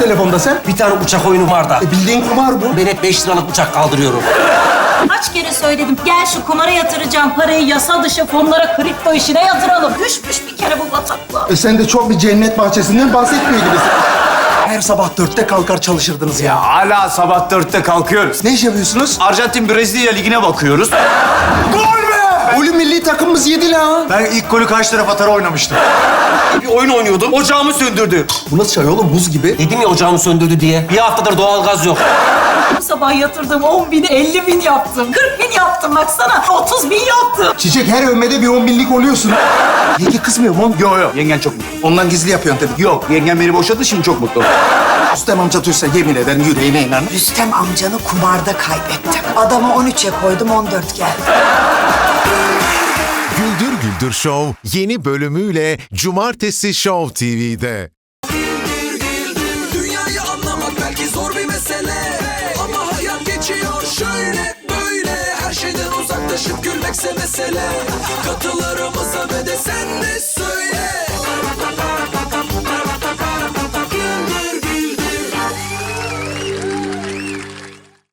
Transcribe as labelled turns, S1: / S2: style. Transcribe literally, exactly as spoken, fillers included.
S1: telefonda sen?
S2: Bir tane uçak oyunu var da.
S1: E, bildiğin kumar bu.
S2: Ben hep beş liralık uçak kaldırıyorum.
S3: Kaç kere söyledim. Gel şu kumara yatıracağım parayı yasa dışı fonlara, kripto işine yatıralım. Düşmüş bir kere bu bataklığa.
S1: E sen de çok bir cennet bahçesinden bahsetmiyor gibisin. Her sabah dörtte kalkar çalışırdınız ya.
S4: Hala sabah dörtte kalkıyoruz.
S1: Ne iş yapıyorsunuz?
S4: Arjantin Brezilya ligine bakıyoruz.
S1: Gol be! Golü milli takımımız yedi la.
S4: Ben ilk golü karşı taraf atar oynamıştım.
S2: Bir oyun oynuyordum. Ocağımı söndürdü.
S1: Bu nasıl çay oğlum? Buz gibi.
S2: Dedim ya ocağımı söndürdü diye. Bir haftadır doğalgaz yok.
S3: Bu sabah yatırdığım on bin, elli bin yaptım. kırk bin yaptım baksana. otuz bin yaptım.
S1: Çiçek her övmede bir on binlik oluyorsun. Yenge kızmıyor mu?
S4: Yo yo, yengen çok mutlu.
S1: Ondan gizli yapıyorsun tabii.
S4: Yok, yengen beni boşadı, şimdi çok mutlu.
S1: Rüstem amca duysa yemin ederim yüreğime iner.
S5: Rüstem amcanı kumarda kaybettim. Adamı on üçe koydum, on dört geldi.
S6: Güldür Güldür Show yeni bölümüyle Cumartesi Show T V'de.
S7: Dünyayı anlamak belki zor bir mesele, ama hayat geçiyor şöyle böyle. Her şeyden uzaklaşıp gülmekse mesele. Katılarımıza ve de sen de